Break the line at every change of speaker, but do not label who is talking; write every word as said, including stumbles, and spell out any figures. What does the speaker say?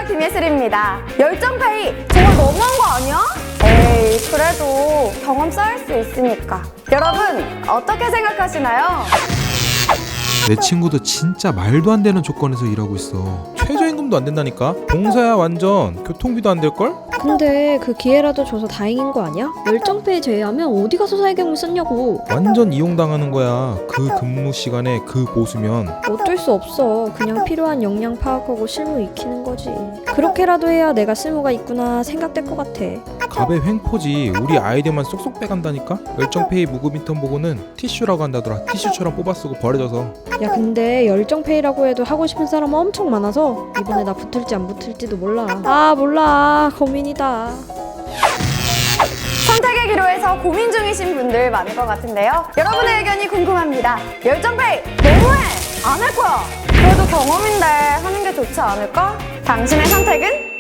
안녕하세요, 김예슬입니다. 열정페이 정말 너무한 거 아니야? 에이, 그래도 경험 쌓일 수 있으니까. 여러분, 어떻게 생각하시나요?
내 친구도 진짜 말도 안 되는 조건에서 일하고 있어. 최저임금도 안 된다니까? 봉사야 완전. 교통비도 안 될걸?
근데 그 기회라도 줘서 다행인 거 아니야? 열정페이 제외하면 어디 가서 사회경을 썼냐고.
완전 이용당하는 거야. 그 근무 시간에 그 보수면.
어쩔 수 없어. 그냥 필요한 역량 파악하고 실무 익히는 거지. 그렇게라도 해야 내가 쓸모가 있구나 생각될 것 같아.
갑의 횡포지. 우리 아이디어만 쏙쏙 빼간다니까? 열정페이 무급 인턴 보고는 티슈라고 한다더라. 티슈처럼 뽑아 쓰고 버려져서.
야 근데 열정페이라고 해도 하고 싶은 사람 엄청 많아서 이번에 나 붙을지 안 붙을지도 몰라. 아 몰라. 고민이다.
선택의 기로에서 고민 중이신 분들 많을 것 같은데요. 여러분의 의견이 궁금합니다. 열정페이 너무해! 안 할 거야! 그래도 경험인데 하는 게 좋지 않을까? 당신의 선택은?